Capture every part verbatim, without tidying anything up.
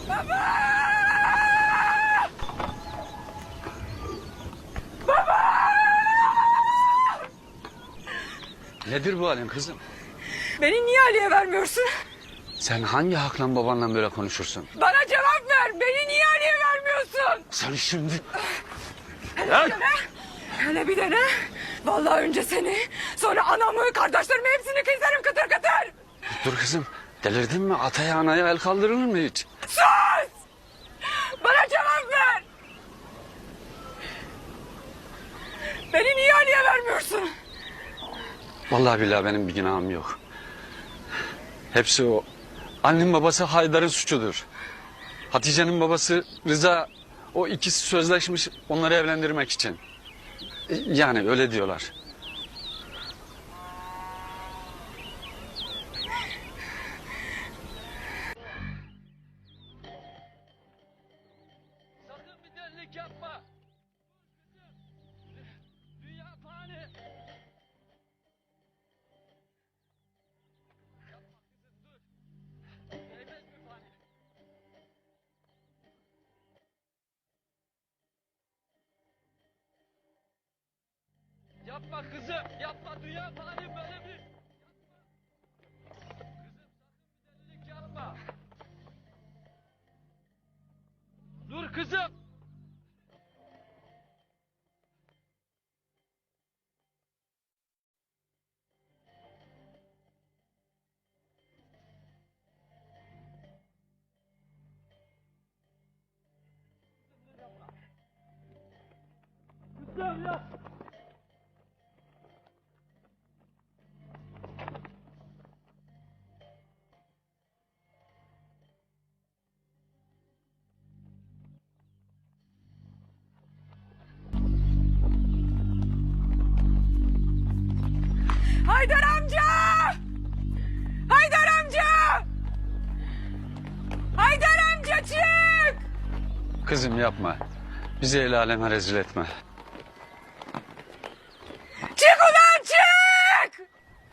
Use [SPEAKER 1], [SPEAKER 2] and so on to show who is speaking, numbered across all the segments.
[SPEAKER 1] Baba! Baba!
[SPEAKER 2] Nedir bu halin kızım?
[SPEAKER 1] Beni niye Ali'ye vermiyorsun?
[SPEAKER 2] Sen hangi hakla babanla böyle konuşursun?
[SPEAKER 1] Bana cevap ver. Beni niye Ali'ye vermiyorsun?
[SPEAKER 2] Sen şimdi...
[SPEAKER 1] Hele bir dene. Hele bir dene. Vallahi önce seni, sonra anamı, kardeşlerimi hepsini keserim kıtır kıtır.
[SPEAKER 2] Dur kızım, delirdin mi? Ataya anaya el kaldırılır mı hiç?
[SPEAKER 1] Sus! Bana cevap ver. Beni niye Ali'ye vermiyorsun?
[SPEAKER 2] Vallahi billahi benim bir günahım yok. Hepsi o. Annenin babası Haydar'ın suçudur. Hatice'nin babası Rıza, o ikisi sözleşmiş onları evlendirmek için. Yani öyle diyorlar.
[SPEAKER 3] Sakın bir delilik yapma. Dünya fani. Yapma kızım dur. Değmez mi fani? Yapma kızım, yapma dünya fani böyle bir... Yapma. Kızım sakın bir delilik yapma. Dur kızım. Kızım ya.
[SPEAKER 1] Haydar amca! Haydar amca! Haydar amca çık!
[SPEAKER 2] Kızım yapma. Bizi el aleme rezil etme.
[SPEAKER 1] Çık ulan çık!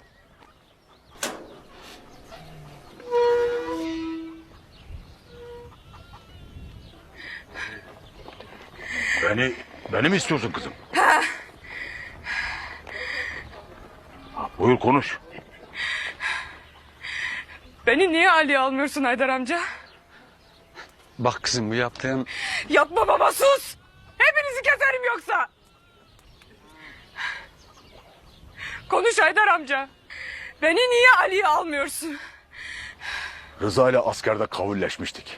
[SPEAKER 4] Beni, beni mi istiyorsun kızım? Buyur konuş.
[SPEAKER 1] Beni niye Ali'ye almıyorsun Haydar amca?
[SPEAKER 2] Bak kızım bu yaptığın...
[SPEAKER 1] Yapma baba sus! Hepinizi keserim yoksa! Konuş Haydar amca. Beni niye Ali'ye almıyorsun?
[SPEAKER 4] Rıza ile askerde kavulleşmiştik.